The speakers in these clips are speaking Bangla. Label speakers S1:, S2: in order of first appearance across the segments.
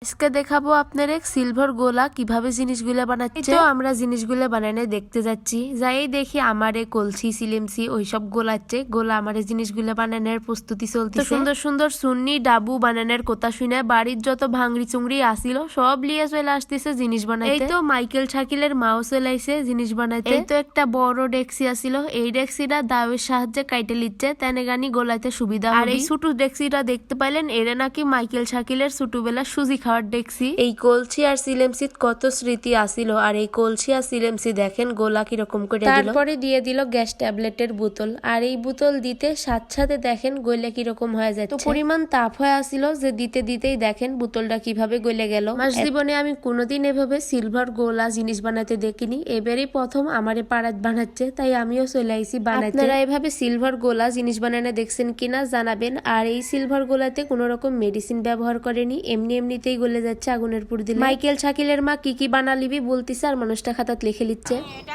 S1: আজকে দেখাবো আপনার এক সিলভার গোলা কিভাবে জিনিসগুলো বানাচ্ছে। তো আমরা জিনিসগুলো বানানো দেখতে যাচ্ছি, যাই দেখি আমার কলসি সিলেমসি ওইসব গোলাচ্ছে। গোলা আমার জিনিসগুলো বানানোর প্রস্তুতি চলতেছে। সুন্দর সুন্দর সুন্নি ডাবু বানানোর কথা শুনে বাড়ির যত ভাঙড়ি চুংড়ি আসিল সব লিয়ে চলে আসতেছে জিনিস বানাইতে। এই তো মাইকেল শাকিলের মাও চলে আইছে জিনিস বানাইতে। এই তো একটা বড় ডেক্সি আসিল, এই ডেক্সিটা দাওয়ের সাহায্যে কাইটে লিচ্ছে, তেনে গানি গোলাইতে সুবিধা। আর এই ছোট ডেক্সিটা দেখতে পাইলেন, এরা নাকি মাইকেল শাকিলের ছোটবেলা সুজি দেখছি। এই কলসি আর সিলেমসিত কত স্মৃতি আসিল, আর এই কলসি আর সিলেমসি দেখেন গোলা কিরকম করে দিল। তারপরে দিয়ে দিল গ্যাস ট্যাবলেটের বোতল, আর এই বোতল দিতে সাথে দেখেন গলে কিরকম হয়ে যায়। তো পরিমাণ তাপ হয়ে আসিল যে দিতে দিতেই দেখেন বোতলটা কিভাবে গলে গেল। মাস জীবনে আমি কোনোদিন এভাবে সিলভার গোলা জিনিস বানাতে দেখিনি, এবারই প্রথম আমারে পাড়াত বানাচ্ছে, তাই আমিও চলে আইছি বানাইতে। আপনারা এভাবে সিলভার গোলা জিনিস বানানো দেখছেন কিনা জানাবেন। আর এই সিলভার গোলাতে কোনো রকম মেডিসিন ব্যবহার করেনি, এমনিতেই গলে যাচ্ছে আগুনের পুর দিলে। মাইকেল শাকিলের মা কি কি বানালিবি বলতিছে, আর মানুষটা খাতাত লিখে লিচ্ছে।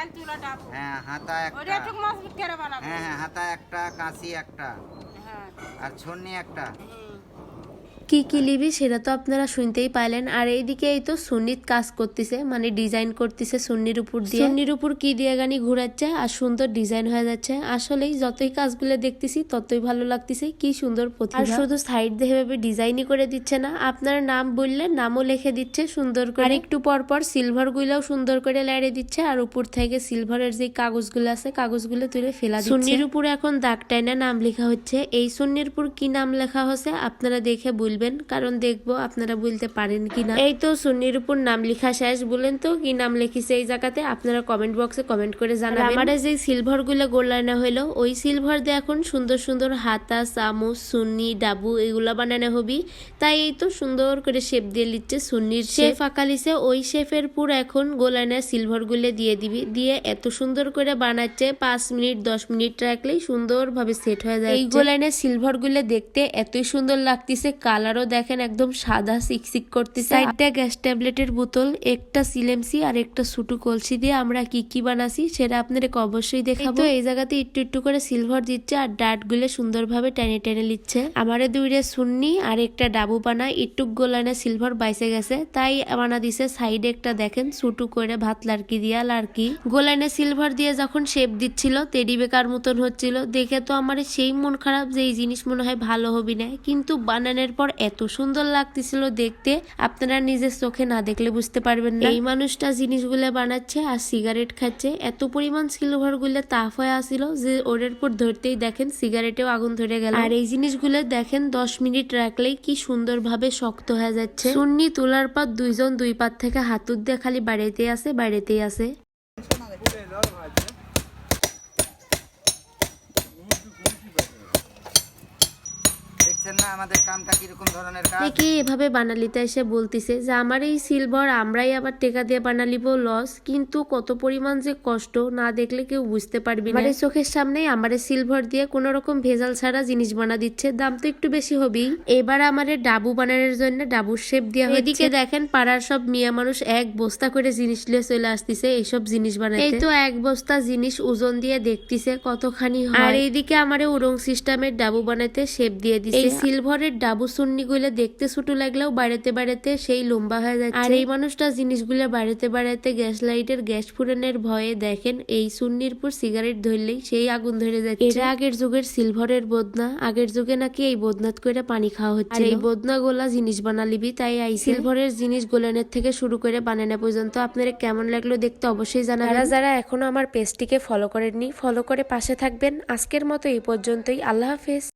S2: হাতা একটা, কাঁচি একটা, আর ছন্নি একটা।
S1: কি কি লিবি সেটা তো আপনারা শুনতেই পাইলেন। আর এইদিকে এই তো সুন্নিত কাজ করতেছে, মানে ডিজাইন করতেছে সুন্নির উপর দিয়ে। সুন্নির উপর কি দিয়ে গানি ঘুরাচ্ছে আর সুন্দর ডিজাইন হয়ে যাচ্ছে। আসলেই যতই কাজগুলো দেখতেছি ততই ভালো লাগতেছে, কি সুন্দর প্রতিভা। আর শুধু সাইড দিয়ে এভাবে ডিজাইনই করে দিচ্ছে না, আপনার নাম বললে নামও লিখে দিচ্ছে সুন্দর করে। আর একটু পর পর সিলভার গুলাও সুন্দর করে লাইড়ে দিচ্ছে, আর উপর থেকে সিলভারের যে কাগজগুলো আছে কাগজগুলো তুলে ফেলা দিচ্ছে। সুন্নির উপর এখন দাগ টাইনা নাম লেখা হচ্ছে। এই সুন্নির উপর কি নাম লেখা হচ্ছে আপনারা দেখে বলবেন, কারণ দেখবো আপনারা বলতে পারেন কিনা। এই তো সুন্নির উপর নাম লেখা শেষ, বলেন তো কি নাম লিখিছে এই জায়গাতে, আপনারা কমেন্ট বক্সে কমেন্ট করে জানাবেন। আমার যে সিলভার গুলো গোলানো হইলো, ওই সিলভার দিয়ে এখন সুন্দর সুন্দর হাতা, চামচ, সুন্নি, ডাবু এগুলা বানানো হবি। তাই এই তো সুন্দর করে শেপ দিয়ে লিচ্ছে সুন্নির শেপ আঁকালিছে। ওই শেপের পুর এখন গোলানো সিলভার গুলো দিয়ে দিবি, দিয়ে এত সুন্দর করে বানাচ্ছে 5 মিনিট 10 মিনিট রাখলেই সুন্দর ভাবে সেট হয়ে যায়। এই গোলানো সিলভার গুলো দেখতে এতই সুন্দর লাগতেছে, কালারও দেখেন একদম সাদা সিকসিক করতেছে। একটা গ্যাস ট্যাবলেটের বোতল, একটা সিলেমসি আর একটা ছোট কলসি দিয়ে আমরা কি কি বানাছি সেটা আপনাদের অবশ্যই দেখাবো। এই জায়গাতে একটু একটু করে সিলভার দিচ্ছে, আর ডাট গুলো সুন্দরভাবে টেনে টেনে লিচ্ছে। আমারে দুইরে সুন্নি আর একটা ডাবু বানা একটু গোলানে সিলভার বাইসে গেছে, তাই বানা দিছে সাইডে একটা দেখেন ছোট করে ভাত লার্কি দিয়া লার্কি। গোলানে সিলভার দিয়ে যখন শেপ দিচ্ছিল টেডি বেকার মতন হচ্ছিল, দেখে তো আমার সেই মন খারাপ যে এই জিনিস মনে হয় ভালো হবি না, কিন্তু বানানোর পর এত সুন্দর লাগতেছিল দেখতে, আপনারা নিজের চোখে না দেখলে বুঝতে পারবেন না। এই মানুষটা জিনিসগুলো বানাচ্ছে আর সিগারেট খাচ্ছে, এত পরিমাণ সিলভার গুলো তাপ হয়ে আসিল যে ওরের পর ধরতেই দেখেন সিগারেটেও আগুন ধরে গেল। আর এই জিনিসগুলো দেখেন 10 মিনিট রাখলেই কি সুন্দর ভাবে শক্ত হয়ে যাচ্ছে। সুন্নি তোলার পর দুইজন দুই পাত থেকে হাতুর দিয়ে খালি বাড়িতেই আছে।
S2: আমাদের কামটা কিরকম ধরনের কাজ।
S1: দেখি এভাবে বানালিতে এসে বলতিছে যে আমার এই সিলভার আমরাই আবার টেকা দিয়ে বানালিব লস, কিন্তু কত পরিমাণ যে কষ্ট না দেখলে কেউ বুঝতে পারবি না। আমার চোখের সামনে আমার সিলভার দিয়ে কোন রকম ভেজাল ছাড়া জিনিস বানা দিচ্ছে, দাম তো একটু বেশি হবেই। এবার আমার ডাবু বানানোর জন্য ডাবুর শেপ দেওয়া হচ্ছে। এদিকে দেখেন পাড়ার সব মিয়া মানুষ এক বস্তা করে জিনিস নিয়ে চলে আসতেছে এইসব জিনিস বানাইতে। এই তো এক বস্তা জিনিস ওজন দিয়ে দেখতেছে কতখানি হয়। আর এইদিকে আমার উড়ং সিস্টেমের ডাবু বানাইতে শেপ দিয়ে দিছে। এই সিলভারের ডাবু সুন্নি গুলো দেখতে ছোট লাগলেও বাড়াতে সেই লম্বা হয়ে যাচ্ছে। আর এই মানুষটা জিনিসগুলো বাড়াতে গ্যাস লাইটের গ্যাস ফুরানোর ভয়ে দেখেন এই সুন্নির পর সিগারেট ধরলেই সেই আগুন ধরে যাচ্ছে। এটা আগের যুগের সিলভারের বদনা, আগের যুগে নাকি এই বদনাত করে পানি খাওয়া হচ্ছে। এই বদনা গোলা জিনিস বানালিবি, তাই এই সিলভারের জিনিস গোলানের থেকে শুরু করে বানানো পর্যন্ত আপনারা কেমন লাগলো দেখতে অবশ্যই জানাবেন। যারা এখনো আমার পেজটিকে ফলো করেননি ফলো করে পাশে থাকবেন। আজকের মতো এই পর্যন্তই, আল্লাহ হাফেজ।